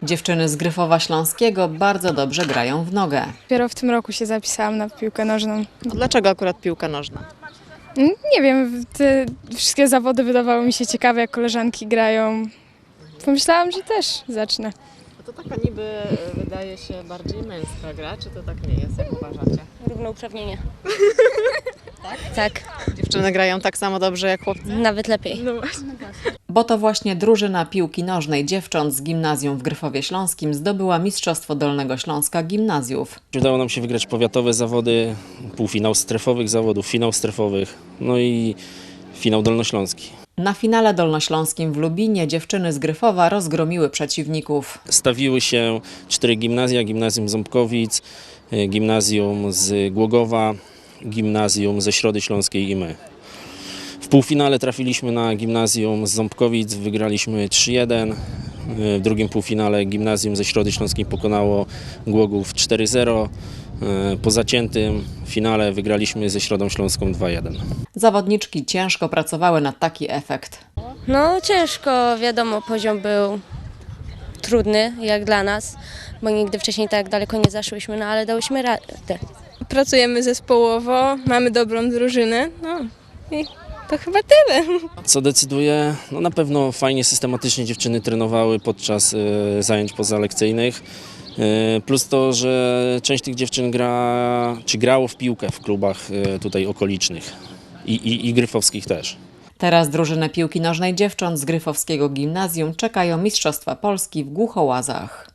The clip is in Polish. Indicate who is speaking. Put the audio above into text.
Speaker 1: Dziewczyny z Gryfowa Śląskiego bardzo dobrze grają w nogę.
Speaker 2: Dopiero w tym roku się zapisałam na piłkę nożną.
Speaker 3: A dlaczego akurat piłka nożna?
Speaker 2: Nie wiem, te wszystkie zawody wydawały mi się ciekawe, jak koleżanki grają. Pomyślałam, że też zacznę.
Speaker 3: No to taka niby wydaje się bardziej męska gra, czy to tak nie jest, jak uważacie?
Speaker 4: Równouprawnienie. Tak?
Speaker 3: Dziewczyny grają tak samo dobrze jak chłopcy?
Speaker 4: Nawet lepiej.
Speaker 1: Bo to właśnie drużyna piłki nożnej dziewcząt z gimnazjum w Gryfowie Śląskim zdobyła Mistrzostwo Dolnego Śląska Gimnazjów.
Speaker 5: Udało nam się wygrać powiatowe zawody, półfinał strefowych zawodów, finał strefowych, no i finał dolnośląski.
Speaker 1: Na finale dolnośląskim w Lubinie dziewczyny z Gryfowa rozgromiły przeciwników.
Speaker 5: Stawiły się 4 gimnazja, gimnazjum Ząbkowic, gimnazjum z Głogowa, gimnazjum ze Środy Śląskiej i my. W półfinale trafiliśmy na gimnazjum z Ząbkowic, wygraliśmy 3-1. W drugim półfinale gimnazjum ze Środy Śląskiej pokonało Głogów 4-0. Po zaciętym finale wygraliśmy ze Środą Śląską 2-1.
Speaker 1: Zawodniczki ciężko pracowały na taki efekt.
Speaker 4: No ciężko, wiadomo, poziom był trudny jak dla nas, bo nigdy wcześniej tak daleko nie zaszłyśmy, no ale dałyśmy radę.
Speaker 2: Pracujemy zespołowo, mamy dobrą drużynę, no i to chyba tyle.
Speaker 5: Co decyduje? No na pewno fajnie, systematycznie dziewczyny trenowały podczas zajęć pozalekcyjnych. Plus to, że część tych dziewczyn grało w piłkę w klubach tutaj okolicznych i gryfowskich też.
Speaker 1: Teraz drużynę piłki nożnej dziewcząt z Gryfowskiego Gimnazjum czekają Mistrzostwa Polski w Głuchołazach.